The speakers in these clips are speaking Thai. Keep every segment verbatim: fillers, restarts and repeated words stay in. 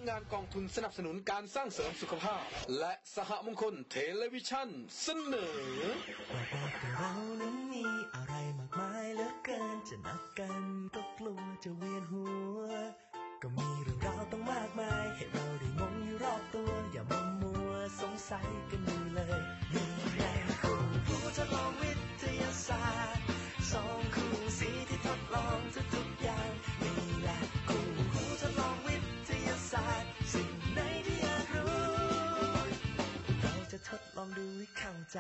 งานกองทุนสนับสนุนการสร้างเสริมสุขภาพและสหมงคลเทเลวิชั่นเสนอบอกว่าเรานั้นมีอะไรมากมายเหลือเกินจะนับกันก็กลัวจะเวียนหัวก็มีเรื่องราวต้องมากมายให้เราได้งงอยู่รอบตัวอย่ามัวมัวสงสัยกันอยู่เลยนี่แหละคู่ผู้ทดลองวิทยาศาสตร์สองคู่สีที่ทดลองทุกๆอย่างนี่แหละคู่ผู้ทดลองวิทยาศาสตร์สิ่งไหนที่อยากรู้เราจะทดลองดูให้เข้าใจ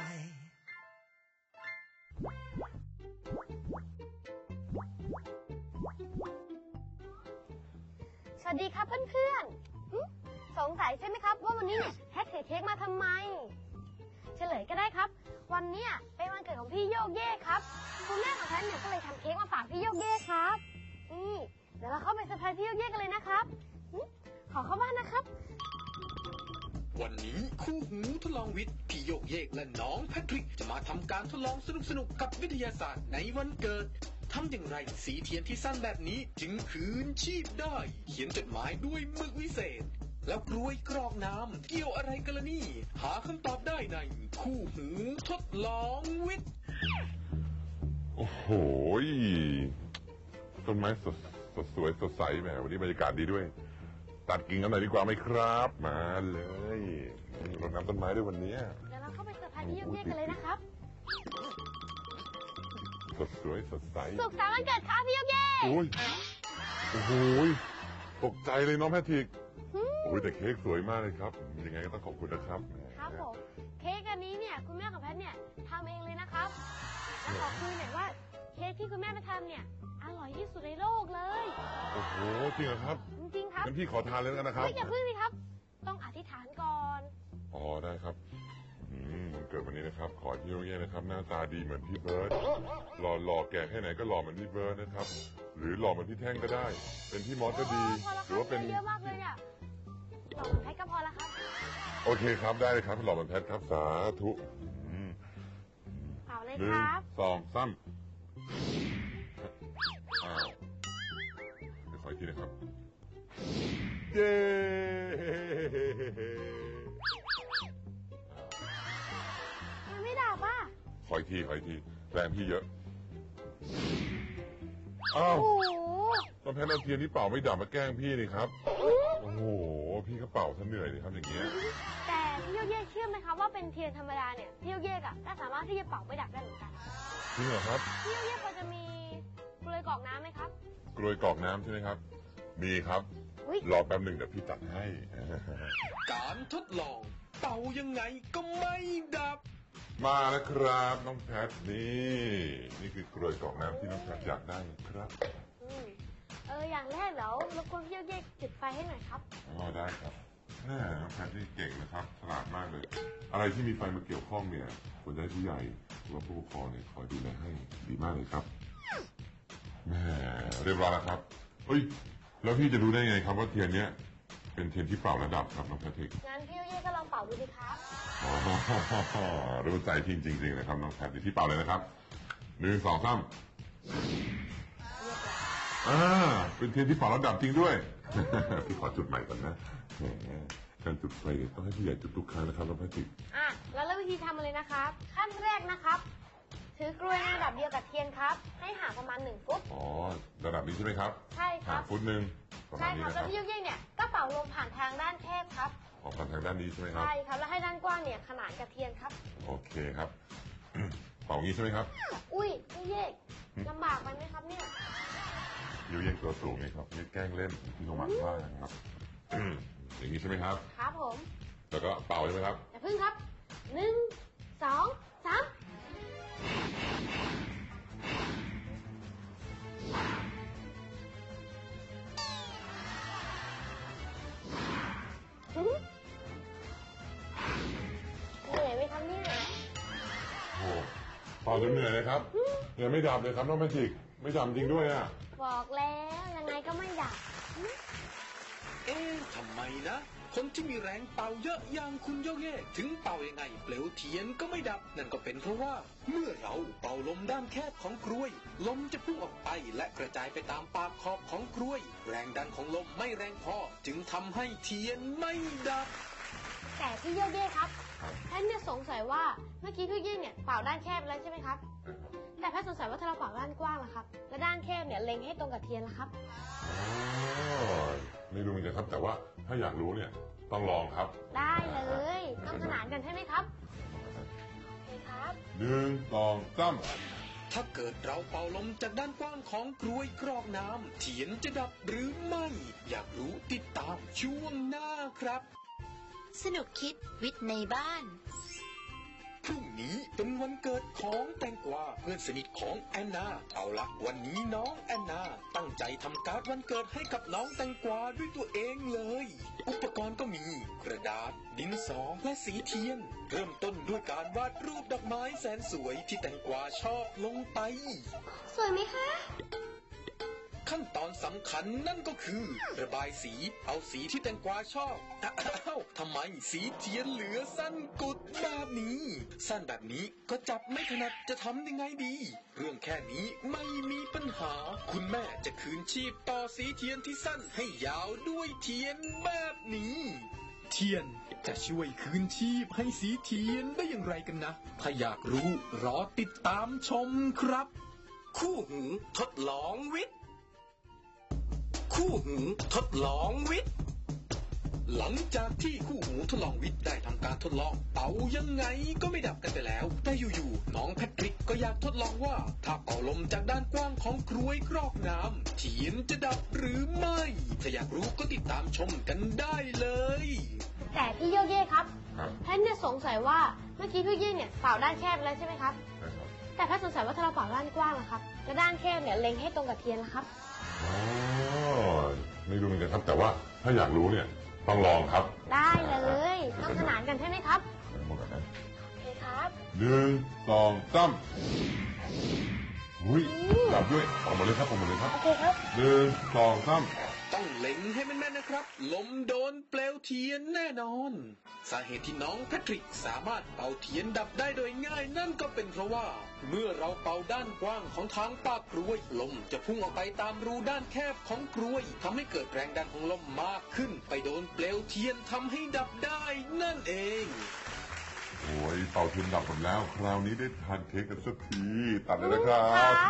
สวัสดีครับเพื่อนๆสงสัยใช่ไหมครับว่าวันนี้เนี่ยแพทถือเค้กมาทำไมเฉลยก็ได้ครับวันนี้เป็นวันเกิดของพี่โยกเย่ครับคุณแม่ของแพทเนี่ยก็เลยทำเค้กมาฝากพี่โยกเย่ครับนี่เดี๋ยวเราเข้าไปเซอร์ไพรส์พี่โยกเย่กันเลยนะครับขอเข้าบ้านนะครับวันนี้คู่หูทดลองวิทย์พี่โยกเยกและน้องแพทริกจะมาทำการทดลองสนุกๆกับวิทยาศาสตร์ในวันเกิดทำอย่างไรสีเทียนที่สั้นแบบนี้จึงคืนชีพได้เขียนจดหมายด้วยหมึกวิเศษแล้วกล้วยกรอกน้ำเกี่ยวอะไรกันล่ะนี่หาคำตอบได้ในคู่หูทดลองวิทย์โอ้โหต้นไม้สดสดสวยสดใสแหมวันนี้บรรยากาศดีด้วยตัดกิ่งกันหน่อยดีกว่าไหมครับมาเลยรดน้ำต้นไม้ด้วยวันนี้เดี๋ยวเราเข้าไปเซอร์ไพรส์พี่โยกเย่กันเลยนะครับสดสวยสดใสสุขสันต์วันเกิดครับพี่โยกเย่โอ้ยโอ้โหตกใจเลยน้องแพทริกโอ้ยแต่เค้กสวยมากเลยครับยังไงก็ต้องขอบคุณนะครับครับผมเค้กอันนี้เนี่ยคุณแม่ของแพทเนี่ยทำเองเลยนะครับแล้วขอคุยหน่อยว่าเค้กที่คุณแม่ไปทำเนี่ยอร่อยที่สุดในโลกเลยโอ้โหจริงเหรอครับจริงๆครับงั้นพี่ขอทานเลยกันนะครับไม่อย่าพึ่งสิครับต้องอธิษฐานก่อนอ๋อได้ครับอืมวันเกิดวันนี้นะครับขอพี่โยกเย่นะครับหน้าตาดีเหมือนพี่เบิร์ดหล่อหล่อแก่แค่ไหนก็หล่อเหมือนพี่เบิร์ดนะครับหรือหล่อเหมือนพี่แท่งก็ได้เป็นพี่มอสก็ดีหรือว่าเป็นเยอะมากเลยอ่ะหล่อเหมือนแพทก็พอแล้วครับโอเคครับได้เลยครับหล่อเหมือนแพทครับสาธุเอาเลยครับสองสามอ้าวเดี๋ยวขออีกทีนะครับเย้ยังไม่ดับอ่ะขออีกทีขออีกทีแรงพี่เยอะอ้าวต้นแพทเอาเทียนที่เป่าไม่ดับมาแกล้งพี่นี่ครับโอ้โหพี่ก็เป่าซะเหนื่อยเลยครับอย่างเงี้ยแต่พี่โยกเย่เชื่อไหมครับว่าเป็นเทียนธรรมดาเนี่ยพี่โยกเย่อะก็สามารถที่จะเป่าไม่ดับได้เหมือนกันจริงเหรอครับพี่โยกเย่พอจะมีกลวยกรอกน้ำไหมครับกลวยกรอกน้ำใช่ไหมครับมีครับรอแป๊บหนึ่งเดี๋ยวพี่ตัดให้การทดลองเป่ายังไงก็ไม่ดับมาแล้วครับน้องแพทนี่นี่คือกลวยกรอกน้ำที่น้องแพทอยากได้ครับเอออย่างแรกเดี๋ยวรบกวนพี่โยกเย่จุดไฟให้หน่อยครับอ๋อได้ครับแม่น้องแพทนี่เก่งนะครับฉลาดมากเลยอะไรที่มีไฟมาเกี่ยวข้องเนี่ยควรจะให้ผู้ใหญ่หรือว่าผู้ปกครองเนี่ยคอยดูแลให้ดีมากเลยครับแม่เรียบร้อยแล้วครับเฮ้ยแล้วพี่จะรู้ได้ไงครับว่าเทียนเนี้ยเป็นเทียนที่เป่าระดับครับน้องแพทริกงั้นพี่โยกเย่ก็ลองเป่าดูดิครับอ๋อรู้ใจจริงจริงๆนะครับน้องแพทที่เป่าเลยนะครับหนึ่งสองสามอ่าเป็นเทียนที่เป่าระดับจริงด้วยพี่ขอจุดใหม่ก่อนนะแหมการจุดไฟต้องให้ผู้ใหญ่จุดทุกครั้งนะครับน้องแพทริกอ่ะแล้วเริ่มวิธีทำเลยนะครับขั้นแรกนะครับถือกลวยในระดับเดียวกับเทียนครับให้ห่างประมาณหนึ่งฟุตอ๋อระดับนี้ใช่ไหมครับใช่ครับห่างฟุตหนึ่งใช่ครับแล้วพี่โยกเย่เนี่ยก็เป่าลมผ่านทางด้านแคบครับออกผ่านทางด้านนี้ใช่ไหมครับใช่ครับแล้วให้ด้านกว้างเนี่ยขนานกับเทียนครับโอเคครับเป่างี้ใช่ไหมครับอุ้ยพี่เย่ลำบากไหมครับเนี่ยโยกเย่ตัวสูงนี่ครับนี่แกล้งเล่นพี่โนมัติว่านะครับอย่างนี้ใช่ไหมครับครับผมแล้วก็เป่าใช่ไหมครับอย่าพึ่งครับหนึ่งสองสามเหนื่อยไหมครับเนี่ยโอ้เป่าจนเหนื่อยเลยครับยังไม่ดับเลยครับน้องแพทริกไม่ดับจริงด้วยอ่ะบอกแล้วยังไงก็ไม่ดับเอ๊ะทำไมนะ คนที่มีแรงเป่าเยอะอย่างคุณโยเย่ถึงเป่ายังไงเปลวเทียนก็ไม่ดับนั่นก็เป็นเพราะว่าเมื่อเราเป่าลมด้านแคบของกรวยลมจะพุ่งออกไปและกระจายไปตามปากขอบของกรวยแรงดันของลมไม่แรงพอจึงทำให้เทียนไม่ดับแต่พี่โยเย่ครับแพทเนี่ยสงสัยว่าเมื่อกี้พี่โยเย่เนี่ยเป่าด้านแคบแล้วใช่ไหมครับแต่แพทสงสัยว่าถ้าเราเป่าด้านกว้างล่ะครับและด้านแคบเนี่ยเล็งให้ตรงกับเทียนล่ะครับไม่รู้เหมือนกันครับแต่ว่าถ้าอยากรู้เนี่ยต้องลองครับได้เลยต้องขนานกันใช่ไหมครับโอเคครับหนึ่งสองสามถ้าเกิดเราเป่าลมจากด้านกว้างของกรวยกรอกน้ำเทียนจะดับหรือไม่อยากรู้ติดตามช่วงหน้าครับสนุกคิดวิทย์ในบ้านพรุ่งนี้เป็นวันเกิดของแตงกวาเพื่อนสนิทของแอนนาเอาละวันนี้น้องแอนนาตั้งใจทำการ์ดวันเกิดให้กับน้องแตงกวาด้วยตัวเองเลยอุปกรณ์ก็มีกระดาษดินสอและสีเทียนเริ่มต้นด้วยการวาดรูปดอกไม้แสนสวยที่แตงกวาชอบลงไปสวยไหมคะขั้นตอนสำคัญนั่นก็คือระบายสีเอาสีที่แตงกวาชอบอ้าวทำไมสีเทียนเหลือสั้นกุดแบบนี้สั้นแบบนี้ก็จับไม่ถนัดจะทำยังไงดีเรื่องแค่นี้ไม่มีปัญหาคุณแม่จะคืนชีพต่อสีเทียนที่สั้นให้ยาวด้วยเทียนแบบนี้เทียนจะช่วยคืนชีพให้สีเทียนได้อย่างไรกันนะถ้าอยากรู้รอติดตามชมครับคู่หูทดลองวิทย์คู่หูทดลองวิทย์หลังจากที่คู่หูทดลองวิทย์ได้ทำการทดลองเป่ายังไงก็ไม่ดับกันไปแล้วแต่อยู่ๆน้องแพทริกก็อยากทดลองว่าถ้าเป่าลมจากด้านกว้างของกรวยกรอกน้ำเทียนจะดับหรือไม่ถ้าอยากรู้ก็ติดตามชมกันได้เลยแต่พี่โยเย่ครับแพทเนี่ยสงสัยว่าเมื่อกี้พี่โยเย่เนี่ยเป่าด้านแคบแล้วใช่ไหมครับแต่แพทสงสัยว่าถ้าเราเป่าด้านกว้างล่ะครับและด้านแคบเนี่ยเล็งให้ตรงกับเทียนล่ะครับอ๋อไม่รู้เหมือนกันครับแต่ว่าถ้าอยากรู้เนี่ยต้องลองครับได้เลยต้องขนานกันใช่ไหมครับหมดกันโอเคครับหนึ่งสองสามหุ้ยดับด้วยออกมาเลยครับออกมาเลยครับโอเคครับหนึ่งสองสามต้องเล็งให้แม่นๆนะครับลมโดนเปลวเทียนแน่นอนสาเหตุที่น้องแพทริกสามารถเป่าเทียนดับได้โดยง่ายนั่นก็เป็นเพราะว่าเมื่อเราเป่าด้านกว้างของทางปากกรวยลมจะพุ่งออกไปตามรูด้านแคบของกรวยทำให้เกิดแรงดันของลมมากขึ้นไปโดนเปลวเทียนทำให้ดับได้นั่นเองโอ้ยเป่าเทียนดับหมดแล้วคราวนี้ได้ทานเค้กกันสักทีตัดเลยนะครับ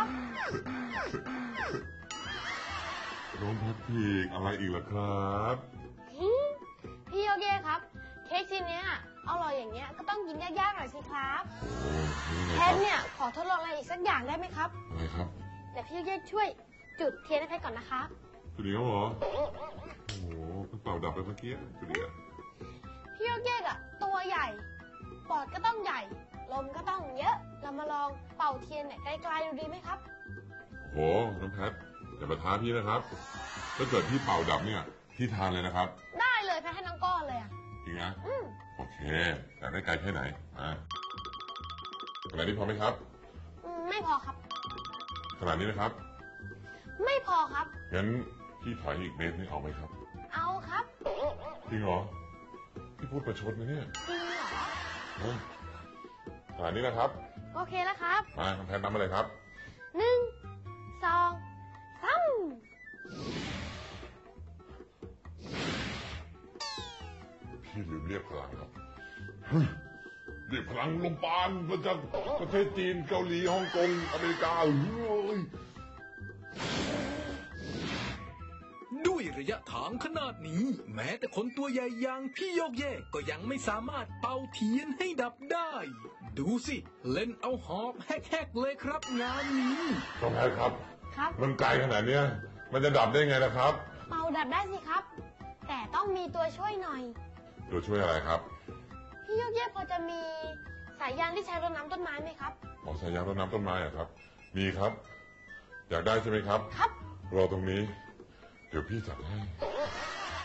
น้องแพทริกอะไรอีกล่ะครับพี่โยเย่ครับเค้กชิ้นนี้อร่อยอย่างเงี้ยก็ต้องกินยากๆหน่อยสิครับแพทเนี่ยขอทดลองอะไรอีกสักอย่างได้ไหมครับอะไรครับเดี๋ยวพี่โยเย่ช่วยจุดเทียนให้แพทก่อนนะครับจุดเดียวเหรอโอ้โหเป่าดับไปเมื่อกี้จุดเดียวพี่โยเย่อะตัวใหญ่ปอดก็ต้องใหญ่ลมก็ต้องเยอะเรามาลองเป่าเทียนเนี่ยไกลๆดูดีไหมครับโหน้องแพทอย่ามาท้าพี่นะครับถ้าเกิดพี่เป่าดับเนี่ยพี่ทานเลยนะครับได้เลยแพทให้น้องก้อนเลยอะจริงนะโอเคแต่ได้ไกลแค่ไหนอ่าขนาดนี้พอไหมครับไม่พอครับขนาดนี้นะครับไม่พอครับงั้นพี่ถอยอีกเมตรนึงเอาไหมครับเอาครับจริงเหรอพี่พูดประชดนะเนี่ยจริงเหรอขนาดนี้นะครับโอเคแล้วครับมาทำแทนน้ำมาเลยครับหนึ่งสองสามพี่ลืมเรียกพลังครับเรียกพลังลมปานมาจากประเทศจีนเกาหลีฮ่องกงอเมริกาด้วยระยะทางขนาดนี้แม้แต่คนตัวใหญ่อย่างพี่โยกเย่ก็ยังไม่สามารถเป่าเทียนให้ดับได้ดูสิเล่นเอาหอบแฮกๆเลยครับงานนี้น้องแพทครับครับมันไกลขนาดนี้มันจะดับได้ไงนะครับเป่าดับได้สิครับแต่ต้องมีตัวช่วยหน่อยตัวช่วยอะไรครับพี่โยกเย่พอจะมีสายยางที่ใช้รดน้ำต้นไม้ไหมครับอ๋อสายยางรดน้ำต้นไม้อะครับมีครับอยากได้ใช่ไหมครับครับรอตรงนี้เดี๋ยวพี่จัดให้